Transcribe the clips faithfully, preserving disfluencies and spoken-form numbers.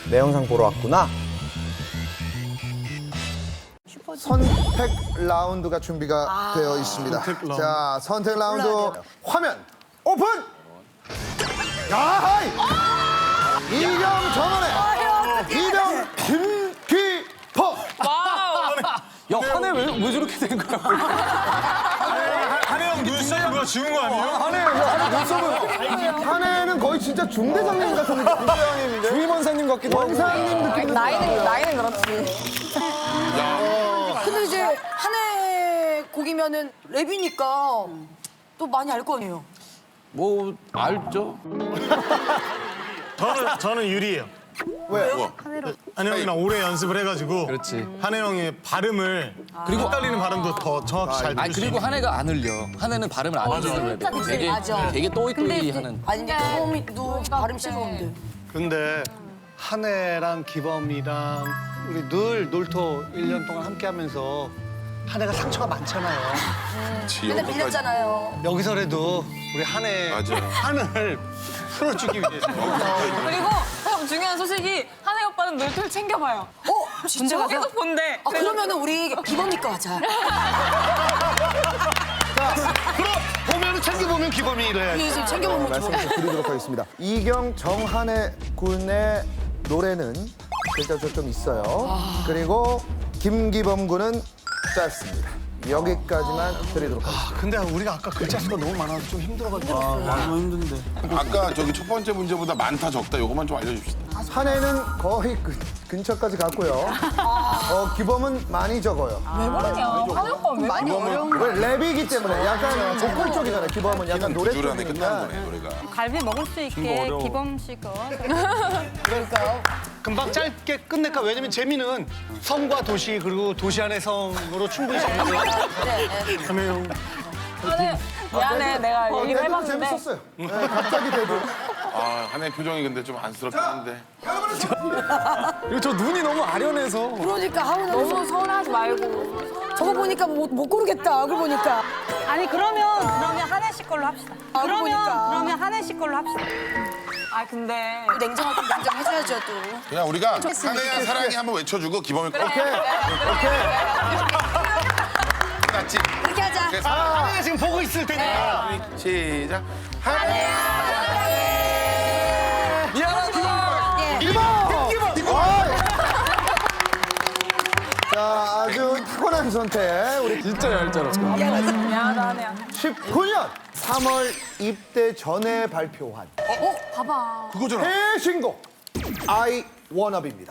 내 영상 보러 왔구나. 선택 라운드가 준비가 아, 되어 있습니다. 선택 라운드. 자, 선택 라운드 화면 오픈! 야하이! 이경 정원의 이경 김기범! 야, 한해 왜, 왜 저렇게 된 거야? 한혜영 눈썹 누가 지운 거 아니에요? 한해, 한해 눈썹은 한해는 거의 진짜 중대장님 같은 느낌인데 주임원사님 같기도 하고. 원사님 느낌이 나이는 나이는 그렇지. 근데 이제 한해 곡이면은 랩이니까 또 많이 알 거 아니에요. 뭐, 알죠? 저는 저는 유리해요. 왜? 한혜영이랑 오래 연습을 해가지고 그렇지. 한혜영의 발음을 그리고- 그리고 헷갈리는 발음도 더 정확히 잘 아니, 들을 수 그리고 있는. 한해가 안 흘려. 한해는 발음을 안 흘리는 랩이야. 되게, 맞아. 되게 또이또이 하는. 아니 근데 기범이도 발음 싫어하는데. 근데 한혜랑 기범이랑 우리 늘 놀토 일 년 동안 함께 하면서 한혜가 상처가 많잖아요. 맨날 빌렸잖아요. 여기서라도 우리 한혜 맞아. 한을 풀어주기 위해서. 그리고 참 중요한 소식이 한혜 오빠는 놀토를 챙겨봐요. 어? 진짜? 문제가 계속 본대. 아 그러면은 우리 기범이 거 하자. 그럼 보면은 챙겨보면 기범이래. 그래서 챙겨보면 좋아. 말씀 드리도록 하겠습니다. 이경 정한해 군의 노래는 글자가 좀 있어요. 그리고 김기범 군은 짧습니다. 여기까지만 드리도록 하겠습니다. 근데 우리가 아까 글자 수가 너무 많아서 좀 힘들어가지고. 너무 힘든데. 아까 저기 첫 번째 문제보다 많다 적다 요것만 좀 알려줍시다. 한해는 거의 근, 근처까지 갔고요. 어, 기범은 많이 적어요. 왜 그러냐? 한혜 오빠는 왜 많이 어려운 거. 왜 랩이기 때문에 약간 보컬 쪽이잖아요. 기범은 약간 노래 주주란에 끝나는 쪽이니까. 거네 노래가. 갈비 먹을 수 있게 기범 씨 거. 그러니까요. 금방 짧게 끝낼까? 왜냐면 재미는 성과 도시 그리고 도시 안의 성으로 충분히 재밌어요. 네, 네. 한혜영 한혜 미안해 내가 어, 얘기를 대도 해봤는데 재밌었어요. 네, 갑자기 대도. 아 한혜 표정이 근데 좀 안쓰럽긴 한데. 그리고 저 눈이 너무 아련해서. 그러니까 하우 너무 서운하지 말고. 저거 보니까 못, 못 고르겠다. 얼굴 보니까. 아니 그러면 그러면 한혜 씨 걸로 합시다. 아, 그러면 그러니까. 그러면 한혜 씨 걸로 합시다. 아 근데 냉정하게 냉정해줘야죠 또. 그냥 우리가 한혜야 사랑해 한번 외쳐주고 기범이 꼭 오케이. 같이. 이렇게 하자. 그래서 한혜가 지금 보고 있을 테니까. 시작. 한혜야. 미안하다. 자, 아주 타고난 선택. 우리 진짜 얄짤없어. 미안하다 한혜야. 십구 년 삼월 입대 전에 발표한 어? 봐봐. 그거잖아. 최신곡 I Wanna Be입니다.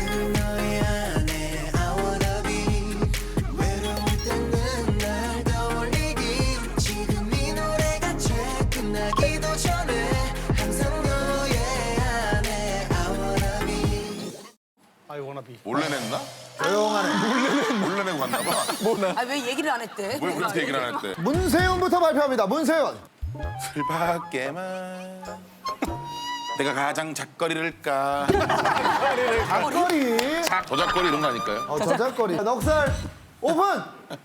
I wanna be. 몰래 냈나? 조용하네. 몰래 내고 갔나 봐. 아 왜 얘기를 안 했대? 왜 그렇게 얘기를 안 했대? 문세윤부터 발표합니다. 문세윤. 술밖에만 내가 가장 작거리를 까. 작거리. 저작거리 이런 거 아닐까요? 어, 저작거리. 넉살 오픈.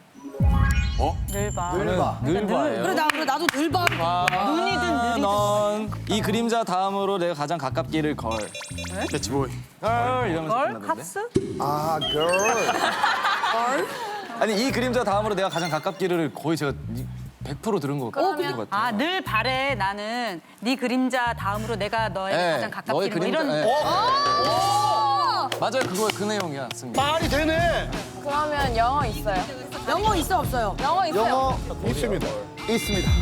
늘 봐. 늘봐. 늘 봐요. 그래 나 그래 나도 늘 봐. 눈이든 넌 이 그림자 다음으로 내가 가장 가깝기를 걸. 캐치보이. 걸 이러면서 걸? 끝나던데. 캅스? 아, girl. 아니 이 그림자 다음으로 내가 가장 가깝기를 거의 제가 백 퍼센트 들은 것 같아요. 것 같아요. 아 늘 바래 나는 네 그림자 다음으로 내가 너에게 네, 가장 너의 가깝게 뭐 그림자. 이런. 네. 맞아요, 그거 그 내용이야, 승리. 말이 되네. 그러면 영어 있어요. 영어 있어 없어요? 영어 있어요. 영어 있습니다. 있습니다.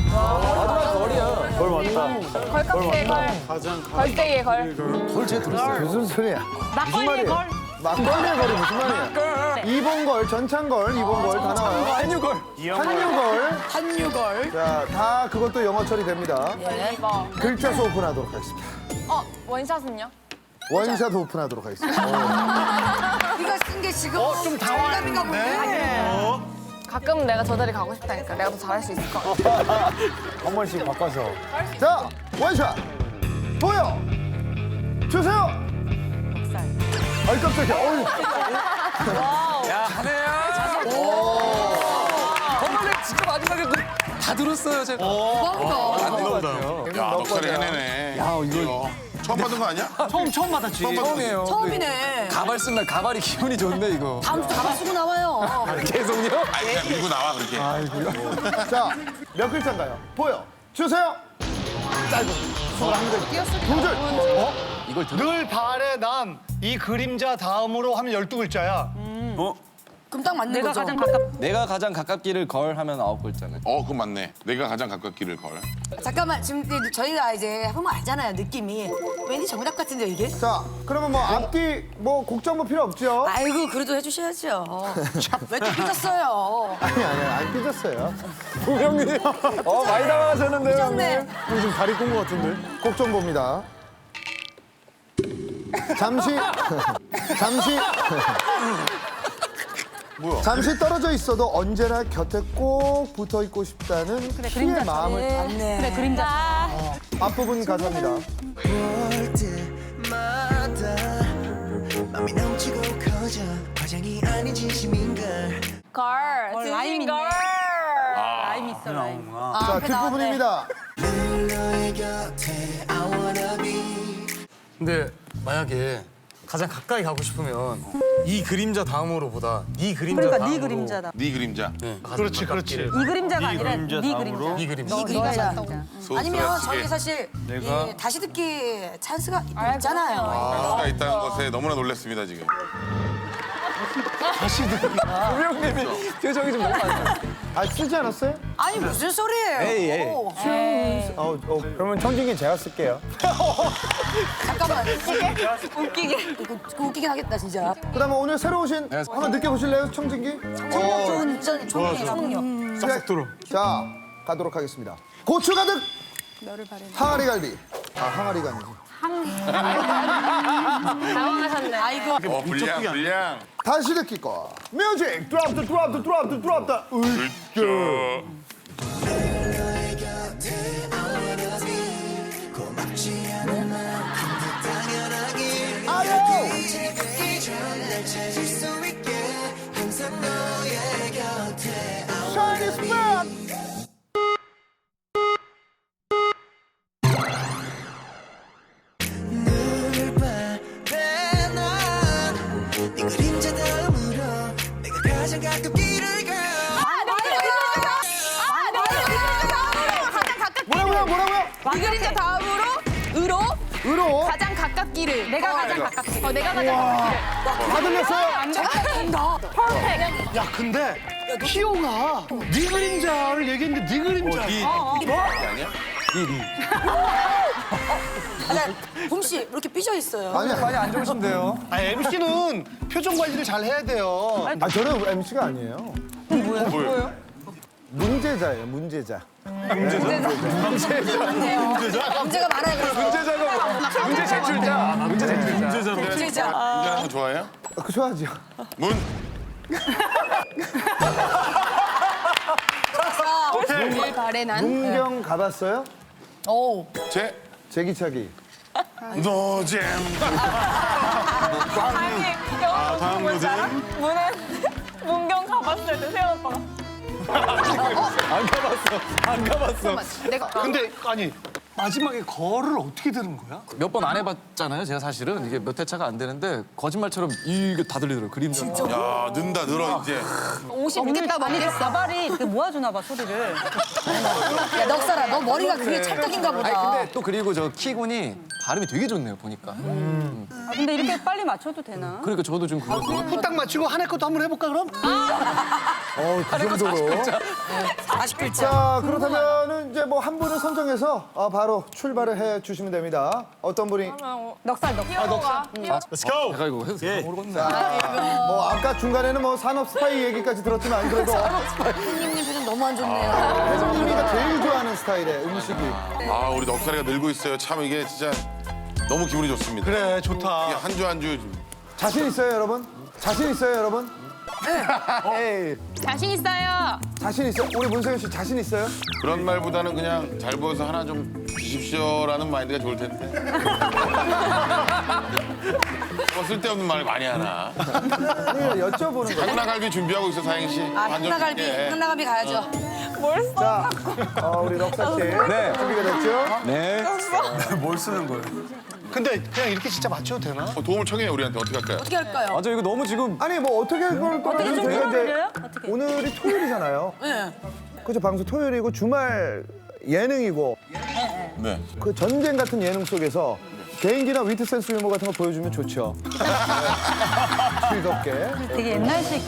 걸깍지의 걸. 걸대의 걸. 걸 제가 들었어요. 무슨 소리야? 막걸리의 걸. 막걸리의 걸이 무슨 말이야? 이봉걸, 전창걸, 이봉걸 다 나와요. 한유걸. 한유걸. 한유걸. 자, 다 그것도 영어 처리됩니다. 이거. 글자 수 오픈하도록 하겠습니다. 어 원샷은요? 원샷 오픈하도록 하겠습니다. 네가 쓴 게 지금 좀 당황감인가 본데. 가끔 내가 저 자리 가고 싶다니까. 내가 더 잘할 수 있을 것 같아. 한 번씩 바꿔서. 자, 원샷 보여 주세요. 아이 깜짝이야. 어이. 야, 한혜야. 정말 진짜 마지막에 그 다 들었어요, 제가. 대박이다. 야 넉살이 해내네. 야, 이거 처음 받은 거 아니야? 처음 처음 받았지. 처음이에요. 처음이네. 가발 쓴 날 가발이 기분이 좋네 이거. 다음 주 가발 쓰고 나와요. 계속요? 아니 그냥 밀고 나와 그렇게. 자, 몇 글자인가요? 보여 주세요. 짧은 스물한 글. 두 줄. 어? 이걸 들어. 늘 발에 남 이 그림자 다음으로 하면 열두 글자야. 그럼 딱 맞는 내가 거죠? 가장 가깝. 내가 가장 가깝기를 걸 하면 아홉 글자네. 어 그건 맞네. 내가 가장 가깝기를 걸. 잠깐만 지금 이제 저희가 이제 해보면 알잖아요 느낌이. 왠지 정답 같은데 이게? 자, 그러면 뭐 앞뒤 뭐 곡 정보 필요 없죠? 아이고 그래도 해주셔야죠. 왜 이렇게 삐졌어요? 아니 아니 안 삐졌어요. 형님. 어 많이 당황하셨는데요. 삐졌네. 지금 다리 꼰 것 같은데. 곡 정보입니다. 잠시 잠시 뭐야? 잠시 떨어져 있어도 언제나 곁에 꼭 붙어 있고 싶다는 피의 그림자 마음을 맞네. 그래 그림자. 앞부분 가사입니다. 볼 때마다 맘이 넘치고 커져 과장이 아닌 진심인걸 걸. 어, 라임 있네. 걸. 라임 있어 라임. 자, 앞에 나왔네. 뒷부분입니다. 늘 너의 곁에 I wanna be 근데 만약에 가장 가까이 가고 싶으면 이 그림자 다음으로보다 네 그림자 그러니까 다음으로. 네 그림자다. 네 그림자. 네, 가장 그렇지, 가깝기를. 이 그림자가 아니라 네 그림자. 이 그림자. 이 그림자. 소스가 아니면 시계. 저희 사실 이 다시 듣기 찬스가 아, 있잖아요. 수가 있다는 것에 너무나 놀랐습니다 지금. 우영님이 표정이 좀 너무 안 좋아. 아, 쓰지 않았어요? 아니 무슨 소리예요? 에이, 에이. 오, 어, 어, 그러면 청진기 제가 쓸게요. 잠깐만. 웃기게. 이거 웃기긴 하겠다 진짜. 그다음에 오늘 새로 오신 한번 느껴보실래요, 청진기? 청력 좋은 전 초능력. 초능력. 싹싹 들어. 자, 가도록 하겠습니다. 고추 가득 항아리 갈비. 아, 항아리가 아니지. 당황하셨네. 아이고. 어 불량 불량. 다시 듣기 거. 뮤직 드랍 더 드랍 더 드랍 더 드랍 더. 으쌰. 너의 곁에 I wanna be 고맙지 않은 만큼 당연하길 아유. 잊기 전날 찾을 수 있게 항상 너의 곁에 I Shiny wanna be spot. 늘 바래 난네 그림자 다음으로 내가 가장 가깝기를 가 뭐라고요, 뭐라고요? 이 그림자 다음으로 으로 으로. 가장 가깝기를. 내가 가장 가깝기. 어, 내가 가장 가깝기를. 다 들렸어요? 잘한다. 퍼펙트. 야 근데 키오가 네 그림자를 얘기했는데 네 그림자. 봄씨 이렇게 삐져 있어요. 아니, 많이 안 좋으신데요. 아 엠씨는 표정 관리를 잘 해야 돼요. 아, 저는 엠씨가 아니에요. 뭐예요? 문제자예요, 문제자. 문제가 많아요. 그래서. 문제자가 문제 제출자. 문제 제출자. 문제자. 운전하는 거 좋아해요? 아, 그 좋아하죠. 문. 늘 바래 난. 문경 가봤어요? 오. 제. 제기차기. 노잼. 아니, 영어 다음 뭔지 알아? 노잼. 문은 문경 가봤을 때 세영 오빠가. 안 가봤어. 안 가봤어. 내가 근데 아니 마지막에 거를 어떻게 들은 거야? 몇 번 안 해봤잖아요. 제가 사실은 이게 몇 회차가 안 되는데 거짓말처럼 이게 다 들리더라고요. 그림자. 야 는다 늘어 이제. 옷이 믿겠다 아니 먹겠어. 가발이 그 모아주나 봐 소리를. 야 넉살아 너 머리가 그게 찰떡인가 보다. 아니 근데 또 그리고 저 키군이 발음이 되게 좋네요. 보니까. 아, 근데 이렇게 빨리 맞춰도 되나? 그러니까 저도 좀 그거. 후딱 맞추고 한 해 것도 한번 해볼까 그럼? 어, 그 정도로. 사십 글자. 자, 그렇다면은 이제 뭐 한 분을 선정해서 어, 바로 출발을 해 주시면 됩니다. 어떤 분이? 넉살 넉살. 아, Let's go. 제가 이거 해서 예. 모르겠네. 뭐 아까 중간에는 뭐 산업 스파이 얘기까지 들었지만 그래도 손님님 표정 너무 안 좋네요. 혜정님이가 제일 좋아하는 스타일의 음식이. 아 우리 넉살이가 늘고 있어요. 참 이게 진짜 너무 기분이 좋습니다. 그래 좋다. 한 주 한 주. 자신 있어요, 여러분? 자신 있어요, 여러분? 에이, 자신 있어요. 자신 있어요? 우리 문세윤 씨 자신 있어요? 그런 말보다는 그냥 잘 보여서 하나 좀 주십시오라는 마인드가 좋을 텐데. 뭐 쓸데없는 말 많이 하나. 아니, 여쭤보는 거예요. 한나갈비 준비하고 있어 사행 씨. 아 한나갈비 한나갈비 가야죠. 뭘 써? 자, 어, 우리 넉살 씨 네. 준비가 됐죠? 네. 뭘 쓰는 거예요? 근데 그냥 이렇게 진짜 맞춰도 되나? 어, 도움을 청해요 우리한테 어떻게 할까요? 어떻게 할까요? 맞아 이거 너무 지금 아니 뭐 어떻게 그걸 어떻게 좀 저희가 이제 풀어드려요? 어떻게? 오늘이 토요일이잖아요. 네. 그죠 방송 토요일이고 주말 예능이고 네. 그 전쟁 같은 예능 속에서 개인기나 위트 센스 유머 같은 거 보여주면 좋죠. 즐겁게. 되게 옛날식.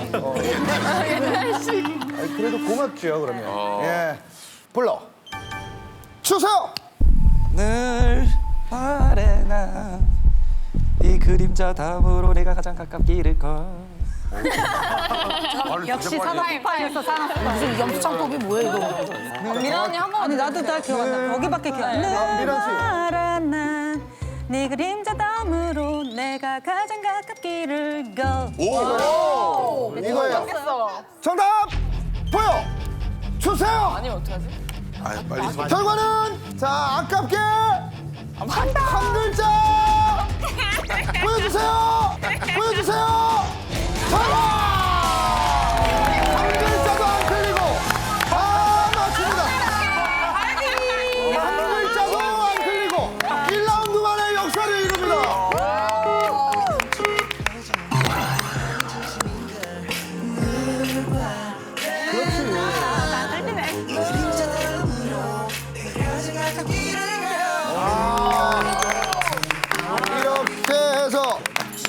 아니, 그래도 고맙죠 그러면. 예. 불러 주세요. 늘 바래 나이 그림자 다음으로 내가 가장 가깝기를 걸. 역시 산업파였어, 산업파. 무슨 염창법이 뭐야 이거? 미라 언니 한 번. 아니, 나도 다 기억 안 나. 거기밖에 기억 안 나. 아, 미란 씨. 바래 난네 그림자 다음으로 내가 가장 가깝기를 걸. 이거예요. 정답 보여 주세요. 아니면 어떡하지? 아 빨리. 결과는 자 아깝게 한 글자 보여주세요. 보여주세요. 정답! 한 글자도 안 틀리고 다 맞춥니다. 한 글자도 안 틀리고 일 라운드 만에 역사를 이룹니다. 이렇게 해서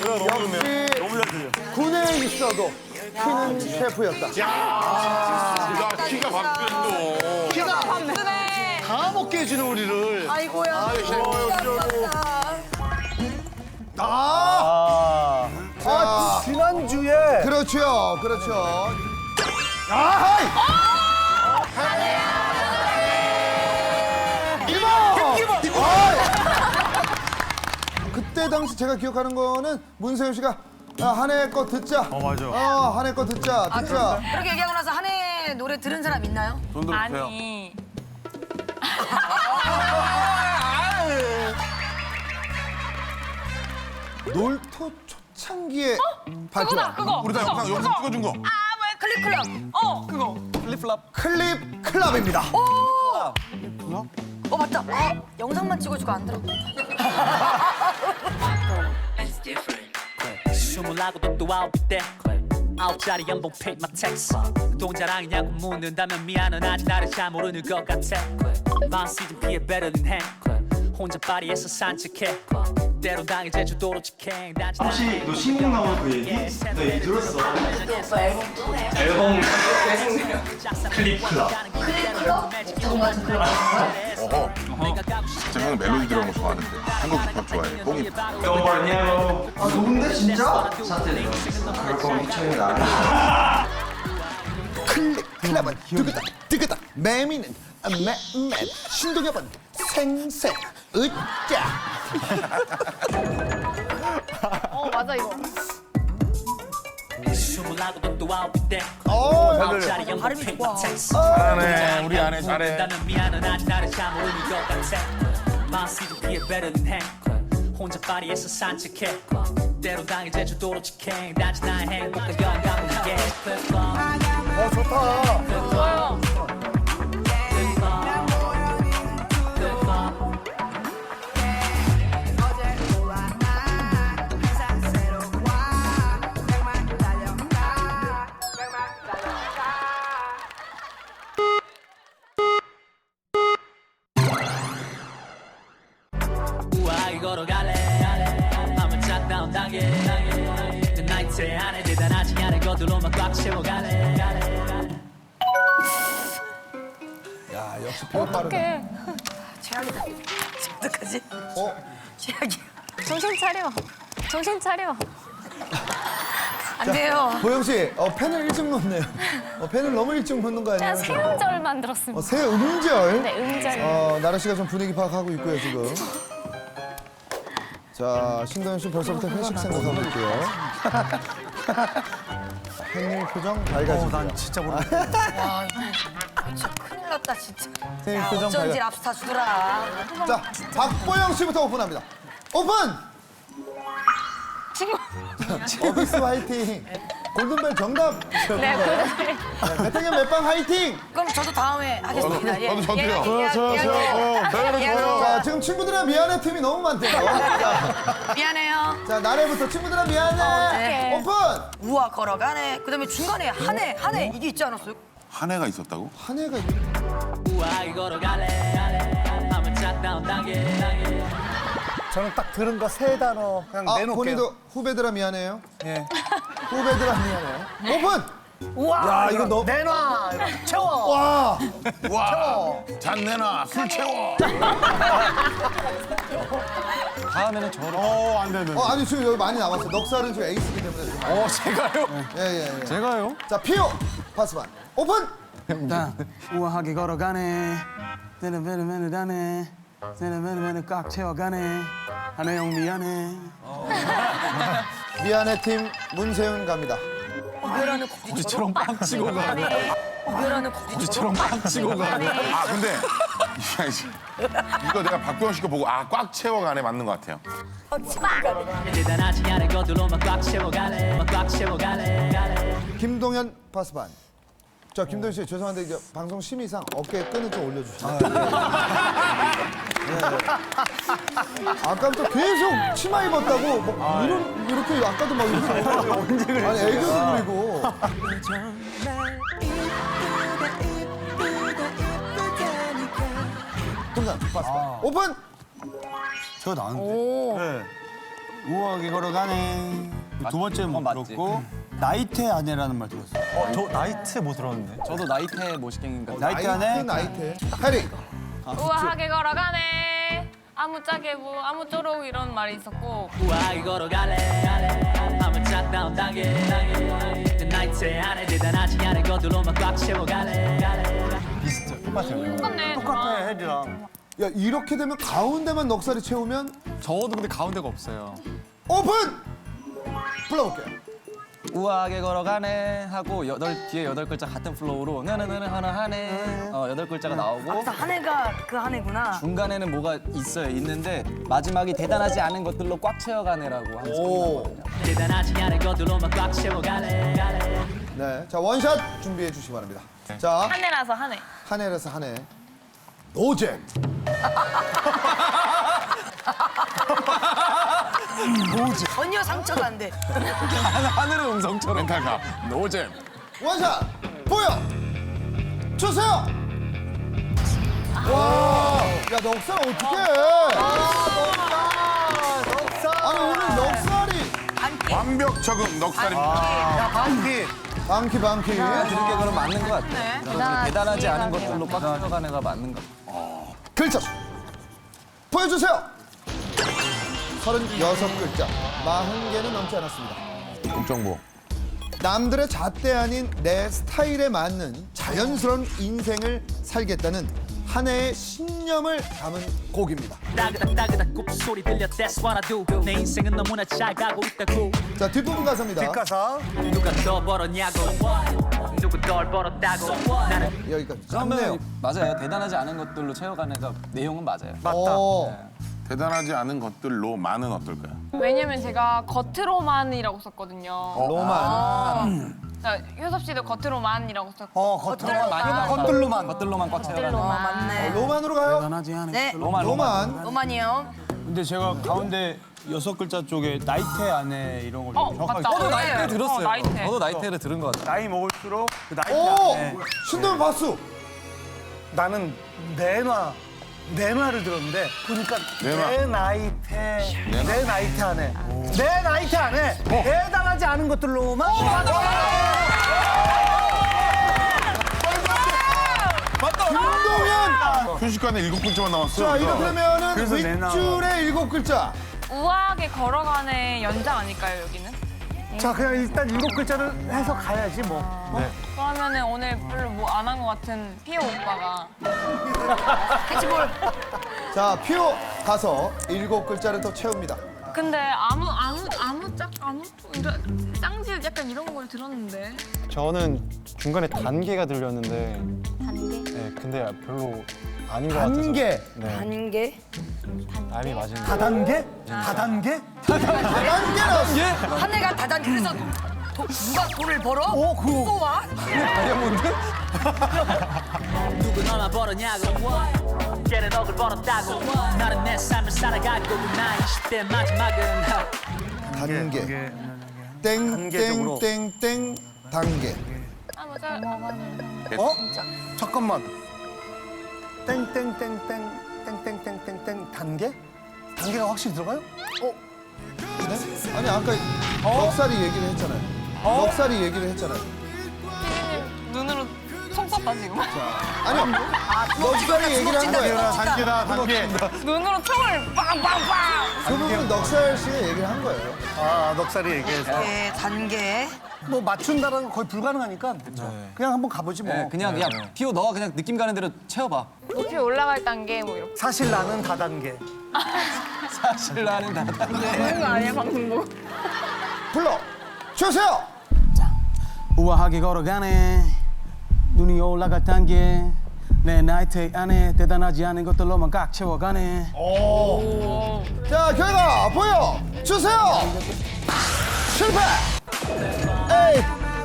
역시 군에 있어도 키는 셰프였다. 야 키가 바뀌었어. 키가 밤새네. 다 먹게 해주는 우리를. 아이고야. 아, 아 지난주에 그렇죠, 그렇죠. 아하이! 이모! 아이! 그때 당시 제가 기억하는 거는 문세윤 씨가 아, 한해 거 듣자. 어 맞아. 어 한해 거 듣자, 듣자. 그렇게 얘기하고 나서 한해 노래 들은 사람 있나요? 돈 들어주세요. 아니. 놀토 초창기에 발표. 그거다 그거. 우리 다 그거, 영상 영상 그거. 찍어준 거. 아 뭐야 클립 클럽. 어 그거. 플립플랍. 클립 클럽입니다. 어 맞다. 아, 영상만 찍어주고 안 들어. 스물아홉도 또 아홉 때 아홉짜리 연봉 paid my tax 돈 자랑이냐고 묻는다면 미안은 아직 나를 잘 모르는 것 같아 만 시즌 피해 better than 행 혼자 파리에서 산책해 때론 당해 제주도로 직행 혹시 너 신곡 나오는 그 얘기? 나 얘기 들었어. 앨범 클립 클럽. 어허. 진짜 형은 멜로디 들어간 거 좋아하는데 한국 힙합 좋아해. 뽕이. Don't burn yellow. 아 누군데 진짜? 사태 그럴 거면 희철이 나. 클립 클럽은 뜨그다 뜨그다 매미는 매맨 신동엽은 생생 으짜. 어 맞아 이거. 스물아홉도 또 아홉 때 어, 아홉짜리 연봉 paid my tax 잘하네. 우리 아내 잘해. 묻는다면 미안은 아직 나를 잘 모르는 것 같아 만 시즌 피해 better than 행 혼자 파리에서 산책해 때론 당해 제주도로 직행 단지 나의 행복과 영감을 함께 어 좋다. 좋아요. 우아하게 걸어갈래 맘은 짝다운 단계 그 나이트에 안에 대단하지 않은 것들로만 꽉 채워갈래 야 역시 피부 빠르다. 최악이다. 어떡하지? 어 최악이야. 정신 차려. 정신 차려. 안 돼요. 보영 씨, 어, 펜을 일찍 놓네요. 어, 펜을 너무 일찍 놓는 거 아니에요? 제가 새 음절 만들었습니다. 어, 새 음절. 네 음절. 어, 나라 씨가 좀 분위기 파악하고 있고요 지금. 자, 신동현 씨 벌써부터 회식 생각하고 있고요. 생일 표정 밝아지고. 난 진짜 모르겠어. 와 이거 아, 진짜 큰일 났다 진짜. 생일 야, 표정 어쩐지 밝아. 랍스타 주더라. 자, 박보영 씨부터 오픈합니다. 오픈! 친구. 어비스 화이팅! 골든벨 정답. 네, 골든벨. 배태경 멜빵 화이팅. 그럼 저도 다음에 하겠습니다. 예. 저도 저도요. 예, 저요, 예, 저요, 예, 저요. 예. 어, 저요, 예, 저요. 자, 지금 친구들아 미안해 팀이 너무 많대요. 자, 미안해요. 자, 나래부터 친구들아 미안해. 어, 네. 오픈. 우와 걸어가네. 그다음에 중간에 한해 한해 이게 있지 않았어요? 한 해가 있었다고? 한 해가 있 우아히 걸어갈래 한번 짝다운 당해 저는 딱 들은 거 세 단어 그냥 아, 내놓을게요. 본인도 후배들아 미안해요. 예. 후배들아 미안해. 오픈. 우와, 야, 이거 너- 내놔. 이거 채워. 와. 와, 잔 내놔, 술 채워. 다음에는 저를. 어, 안 되는. 어, 아니 지금 여기 많이 남았어. 넉살은 지금 에이스이기 때문에 지금 많이. 어, 제가요? 예, 예, 예. 제가요? 자, 피오 파스반. 오픈. 나 우아하게 걸어가네. 내는 매는 매는 다네. 내는 매는 매는 꽉 채워가네. 하나 형 미안해. 미안해 팀 문세윤 갑니다. 우별하는 우리처럼 빵 치고 가네. 우별하는 우리처럼 빵 치고 가네. 아, 근데 이거 내가 박도영 씨 거 보고 아, 꽉 채워가네 맞는 것 같아요. 대단하지 않은 것들로만 꽉 채워갈래 꽉 채워갈래 김동현 파스반. 자, 김동현 씨 죄송한데 이제 방송 심의상 어깨 끈을 좀 올려주시죠. 네. 아까부터 계속 치마 입었다고 뭐 이런 이렇게 아까도 막 이렇게 언제 그래? 아니 애교도 부리고. 동현 파스반. 오픈. 저 나왔는데. 네. 우아하게 걸어가네. 두 번째 못 맞지? 들었고 나이테 아내라는 말 들었어요. 어, 저 나이트 못 들었는데. 저도 나이테 모시갱인가. 나이테 나이트 아내. 나이트. 해리. 우아하게 걸어가네. 아무짝에 뭐 아무쪼록 이런 말이 있었고 우아히 걸어갈래 한번 짝다운 당해 내 나이트 안에 대단하지 않은 것들로만 꽉 채워갈래 비슷해. 똑같아요. 똑같네. 똑같아, 혜리랑. 야, 이렇게 되면 가운데만 넉살이 채우면 저도 근데 가운데가 없어요. 오픈. 불러볼게요. 우아하게 걸어가네 하고 여덟 뒤에 여덟 글자 같은 플로우로 느느느느 하나 하네 어 여덟 글자가 나오고 한해가 그 한해구나. 중간에는 뭐가 있어요 있는데 마지막이 대단하지 않은 것들로 꽉 채워가네라고 하면서 오. 끝나거든요. 대단하지 않은 것들로만 꽉 채워갈래 네, 자 원샷 준비해 주시기 바랍니다. 자, 한 해라서 한 해. 한 해라서 한 해. 노잼. 전혀 상처가 안 돼. 하늘의 음성처럼 멘탈가. 노잼. 원샷 보여 주세요. 와, 야 넉살 어떡해? 아니 오늘 넉살이 완벽 적응 넉살입니다. 야, 반기. 방키 방키. 들은 게 그럼 맞는 것 같아요. 저도 대단하지 않은 것들로 꽉 채워가네가 맞는 것 같아요. 글자 수 보여주세요. 서른여섯 글자, 마흔 개는 넘지 않았습니다. 국정보. 남들의 잣대 아닌 내 스타일에 맞는 자연스러운 인생을 살겠다는 한 해의 신념을 담은 곡입니다. 따그닥 따그닥 굽소리 들려 That's what I do 내 인생은 너무나 잘 가고 있다고 자, 뒷부분 가사입니다. 뒷가사. 누가 더 벌었냐고 누구 덜 벌었다고 나는 여기까지. 그러면 짧네요. 맞아요. 대단하지 않은 것들로 채워가네가 내용은 맞아요. 어, 대단하지 않은 것들로 많은 어떨까요? 왜냐면 제가 겉으로만이라고 썼거든요. 로만. 자, 효섭 씨도 겉으로만이라고 썼고. 어, 겉으로만 많이 것들로만 것들로만 꽉 채워가네. 어, 맞네. 로만으로 가요. 대단하지 않은. 네, 로만 로만. 로만이요. 근데 제가 가운데 여섯 글자 쪽에 나이테 아내 이런 걸 어, 정확하게 맞다. 저도 나이테 어, 들었어요. 나이테. 저도 나이테를 들은 것 같아요. 나이 먹을수록 그 나이테 오, 아내. 신동엽 박수. 나는 내놔. 내놔를 들었는데 보니까 내놔. 내 나이테 내 나이테 안에 내 나이테 안에 대단하지 않은 것들로만 김동현. 순식간에 일곱 글자만 남았어요. 자, 이렇게 되면은 그래서 내놔. 윗줄에 일곱 글자. 우아하게 걸어가네 연장 아닐까요, 여기는? 자 그냥 일단 일곱 글자를 해서 가야지 뭐 그러면은 오늘 별로 뭐 안 한 것 같은 피오 오빠가 캐치볼. 자, 피오 가서 일곱 글자를 더 채웁니다. 근데 아무 아무 아무 짝 아무 이런 짱질 약간 이런 걸 들었는데 저는 중간에 단계가 들렸는데. 단계? 네, 근데 별로 아닌 것 같아서. 단계. 네, 단계? 답이 맞은 거. 다단계? 다단계? 단계라서. 한 해가 다단 그래서 도, 누가 돈을 벌어? 어, 그거. 또 와? 누구 너나 벌었냐고 걔는 억을 벌었다고 나는 내 삶을 살아가고 나 이십 대 마지막은 단계. 단계적으로. 땡땡땡땡 단계. 아 맞아. 어? 잠깐만. 땡땡땡땡 땡땡땡땡땡 단계? 단계가 확실히 들어가요? 네? 아니 아까 넉살이 얘기를 했잖아요. 넉살이 얘기를 했잖아요. 피디님 눈으로 총 쐈다 지금. 아니요. 넉살이 얘기를 한 거예요. 단계다 단계. 눈으로 총을 빵빵빵. 그 부분은 넉살 씨가 얘기를 한 거예요. 아 넉살이 얘기해서. 네, 단계. 뭐 맞춘다는 건 거의 불가능하니까 그냥 한번 가보지 뭐. 네, 그냥 야 피오 너가 그냥 느낌 가는 대로 채워봐. 높이 올라갈 단계 뭐 이렇게. 사실 나는 다단계. 사실 나는 다 그런 거 아니야 방송 보고. 불러 주세요. 우아하게 걸어가네. 눈이 올라갈 단계. 내 나이트 안에 대단하지 않은 것들로만 꽉 채워가네. 자 결과 보여 주세요. 실패. 에이.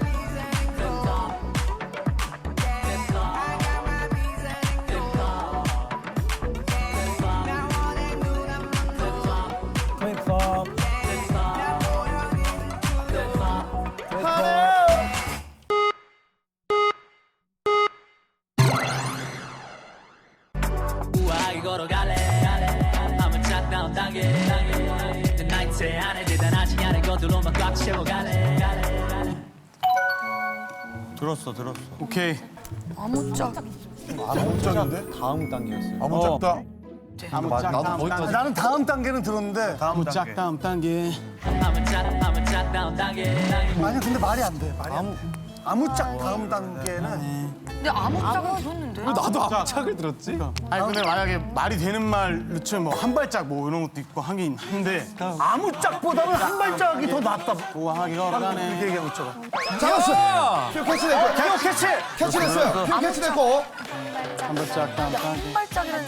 우아하게 걸어갈래 한번 짝다운 단계 내 나이트 안에 대단하지 않은 것들로만 꽉 채워갈래 들었어 들었어. 오케이. 아무짝. 아무짝인데? 다음 단계였어요. 아무 짝다. 아무짝 다음 단계. 나는 다음 단계는 들었는데 아무짝 다음 단계. 한번 짝 한번 짝다운 단계 아니 근데 말이 안 돼. 말이 안 돼. 아무짝 다음 단계는 근데 아무짝은 들었는데. 나도 아무짝을 들었지. 아니 근데 만약에 말이 되는 말로 치면 뭐 한 발짝 뭐 이런 것도 있고 하긴 한데 아무짝보다는 한 발짝이 더 낫다. 우아하게 이렇게 걸어가네. 얘기하고 있잖아. 잡았어. 표 캐치됐고. 개혁 캐치! 캐치됐어요. 표 캐치됐고. 한 발짝 다음 단계. 한 발짝이라는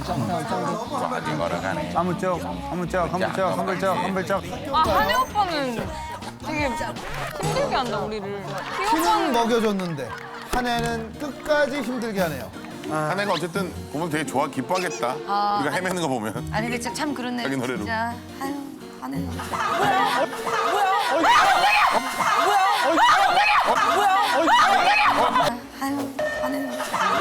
아무짝 아무짝 한 발짝 한 발짝 한 발짝. 아 한혜 오빠는 되게 힘들게 한다 우리를. 힘은 먹여줬는데 한 해는 끝까지 힘들게 하네요. 한 애가 어쨌든 보면 되게 좋아 기뻐하겠다. 우리가 헤매는 거 보면. 아니 근데 진짜 참 그렇네. 자기 노래로. 진짜. 아유, 하는. 아유, 하는.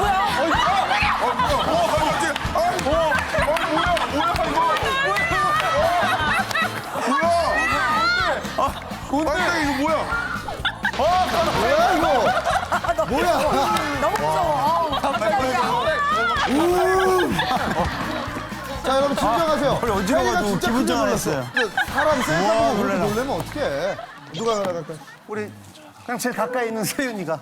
아니 이거 뭐야? 뭐야 이거? 뭐야? 너무 무서워. 자 여러분 진정하세요. 어지러워가지고 기분 전환했어요. 사람 셀카보고 그렇게 놀래면 어떡해. 누가 나갈까요? 우리 그냥 제일 가까이 있는 세윤이가.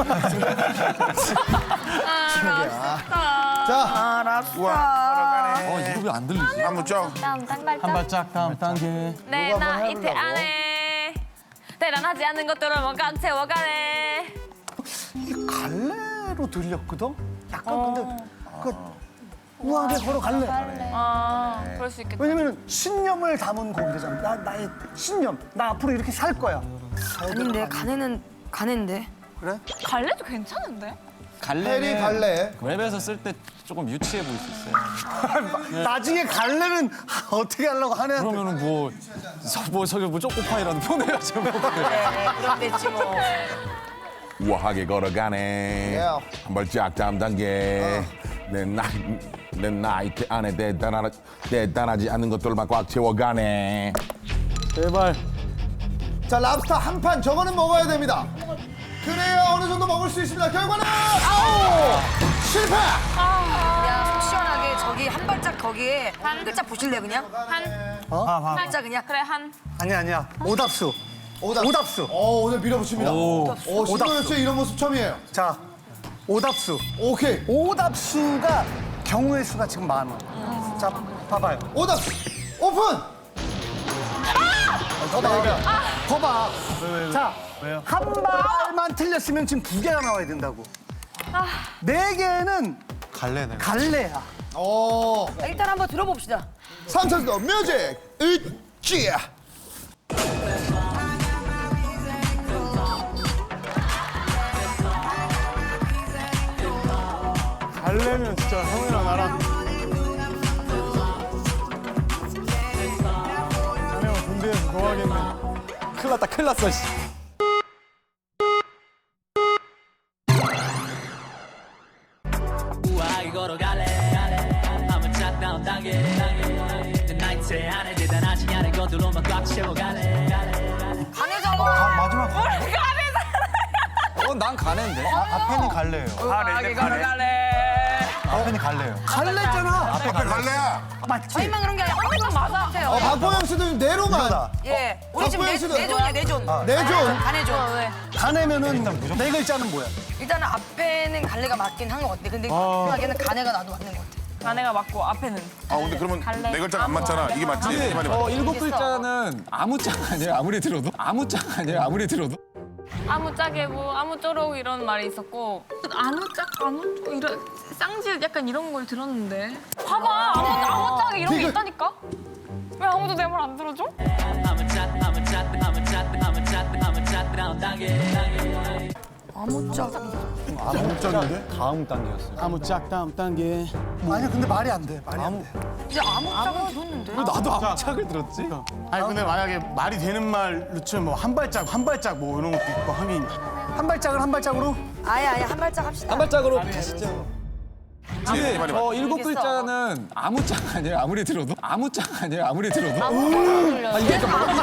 자 알았어. 어 이거 왜 안 들리지? 한번 쫙. 다음 단발짝. 한 발짝 다음 단계. 내 나이트 안에 대단하지 않은 것들로만 꽉 채워가네. 이게 갈래로 들렸거든? 약간 근데 그 우아하게 걸어갈래. 아 그럴 수 있겠다. 왜냐면은 신념을 담은 곡이잖아. 나 나의 신념. 나 앞으로 이렇게 살 거야. 아닌데 가네는 가네인데. 그래? 갈래도 괜찮은데? 해리 갈래는 갈래. 웹에서 쓸 때 조금 유치해 보일 수 있어요. 나중에 갈래는 어떻게 하려고 하냐? 그러면은 뭐, 서, 뭐 저기 뭐 쪼꼬파이라도 보내가지고. 그럼 됐지 뭐. 우아하게 걸어가네. Yeah. 한 발짝 다음 단계. 내 나이 내 나이트 안에 대단하 대단하지 않은 것들만 꽉 채워가네. 제발. 자 랍스터 한 판 저거는 먹어야 됩니다. 그래야 어느 정도 먹을 수 있습니다. 결과는 아우 실패. 그냥 속 시원하게 저기 한 발짝 거기에 한 글자 보실래 그냥? 한 한 발짝 그냥. 그래 한. 아니야 아니야. 오답수. 오답수. 오답수. 오 오늘 밀어붙입니다. 오, 오 신동엽 씨 이런 모습 처음이에요. 자, 오답수. 오케이. 오답수가 경우의 수가 지금 많아. 자, 봐봐요. 오답수 오픈. 더 봐. 더 봐. 자, 한 발만 틀렸으면 지금 두 개가 나와야 된다고. 네 개는 갈래네. 갈래야. 오. 일단 한번 들어봅시다. 삼 차도 뮤직 으쌰. 갈래면 진짜 형이랑 나랑 한해 형 군대에서 좋아하겠네. 큰일 났다 큰일 났어 씨. 우아하게 걸어갈래 한번 짝 다운 단계 내 나이트 안에 대단하지 않은 것들로만 꽉 채워갈래 가네잖아. 마지막 어난 가는데. 앞에는 갈래요. 우아하게 걸어갈래 앞에는 갈래요. 갈래잖아. 앞에 갈래야. 저희만 그런 게 아니라 한 번만 맞아. 어, 박보영 씨도 내로만. 예. 우리 지금 내, 박보영 씨도- 내존이야, 내존. 내존. 가내존. 왜? 가내면은 네 글자는 뭐야? 일단은 앞에는 갈래가 맞긴 한 것 같아. 근데 마지막에는 가네가 나도 맞는 것 같아. 가네가 맞고 앞에는 아 근데 그러면 네 글자가 안 맞잖아. 이게 맞지? 이 말이 맞지? 어 일곱 글자는 아무 짝 아니에요 아무리 들어도 아무 짝 아니에요 아무리 들어도. 아무 짝에 뭐 아무 쪼록 이런 말이 있었고 아무 짝 아무 쪼 이런 쌍질 약간 이런 걸 들었는데 봐봐 아무 아무 짝에 이런 게 지금- 있다니까 왜 아무도 내 말 안 들어줘? 한번 짝 한번 짝 한번 짝 한번 짝 한번 짝 다운 단계 아무 짝. 아무짝인데? 다음 단계였어요. 아무 짝 다음 단계. 아니야, 근데 말이 안 돼. 말이 안 돼. 근데 아무 짝은 들었는데. 나도 아무 짝을 들었지. 아니 근데 만약에 말이 되는 말로 치면 뭐 한 발짝 한 발짝 뭐 이런 것도 있고 하긴. 한 발짝을 한 발짝으로? 아예 아예 한 발짝 합시다. 한 발짝으로 가시죠. 이 말이 맞지? 어 일곱 글자는 아무 짝 아니에요 아무리 들어도 아무 짝 아니에요 아무리 들어도. 아 이게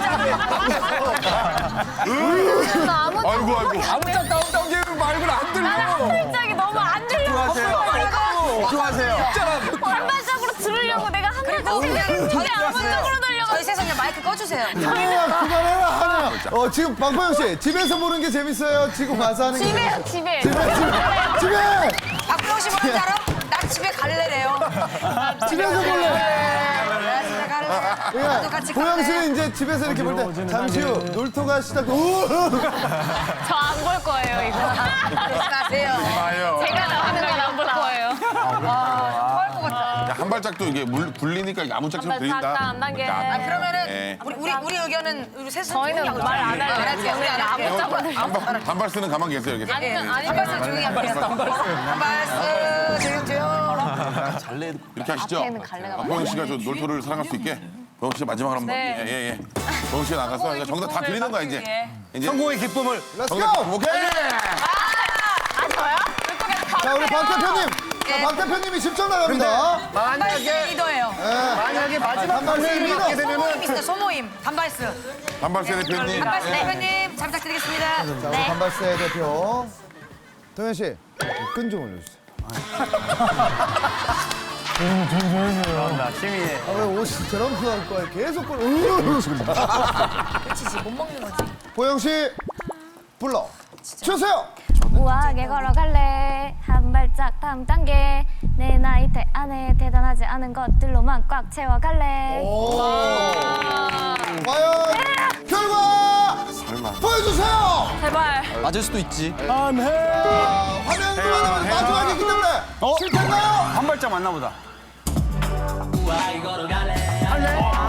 나 아무 아이고 아이고. 아무 짝 다음 단계는 말고는 안 들려. 한 짝이 너무 안 들려. 좋아하세요. 한 발짝으로 들으려고 내가 한 발짝 생각했는데 아무 짝으로 들려고. 저희 세상에 마이크 꺼주세요. 한혜야, 그만해라, 한혜야. 어, 지금 박보영 씨, 집에서 보는 게 재밌어요? 지금 와서 하는 게 집에 집에. 집에, 집에, 집에! 박보영 씨 뭐라는지 알아? 나 집에 갈래래요. 집에서 볼래. 나 집에 갈래. 나도 그러니까 같이 보영 갈래. 씨는 이제 집에서 이렇게 볼 때 잠시 후 놀토가 시작. 저 안 볼 거예요 이거. 가세요. 아요. 제가 나오는 건 안 볼 거예요. 토할 것 같다. 한 발짝도 이게 물 굴리니까 이게 아무 짝처럼 한 발짝 들린다. 다음 단계. 아, 그러면은 네. 우리 우리 우리 의견은 우리 셋은 저희는 조용히 말 안 하고 할래요. 알았지? 우리 안 할게요. 아무 짝으로. 단발, 단발스는 가만히 계세요. 이렇게. 아니면 한 아니면 발씩 조용히 할게요. 한 발씩 조용 조용. 이렇게 하시죠. 박보영 씨가 저 놀토를 사랑할 수 있게. 보영 씨가 마지막으로 한번. 네. 예, 예, 예. 보영 씨가 나가서 이거 정답 다 드리는 거야, 이제. 이제 성공의 기쁨을. 렛츠 정답, 고! 오케이! 아 저요? 자, 우리 박 대표님. 자, 박 대표님이 십 점 나갑니다. 단발스 리더예요. 만약에 마지막 단발스 단계를 리더. 맞게 소모임 되면은 있어요. 소모임. 단발스. 단발세 대표님. 단발스 대표님 잘 부탁드리겠습니다. 자, 우리 반발세 대표. 동현 씨, 끈 좀 올려주세요. 나 취미에. 아, 왜 옷이 저런 거 할 거야? 계속 걸. 으 그치지 못 먹는 거지. 보영 씨, 불러 주세요. 우아하게 걸어갈래 한 발짝 다음 단계 내 나이대 안에 대단하지 않은 것들로만 꽉 채워갈래. 오. 과연 결과 보여주세요. 제발. 맞을 수도 있지. 안해. 아, 화면 돌아가면 마지막이기 때문에 실패인가요? 한 발짝 맞나 보다. 우아하게 걸어갈래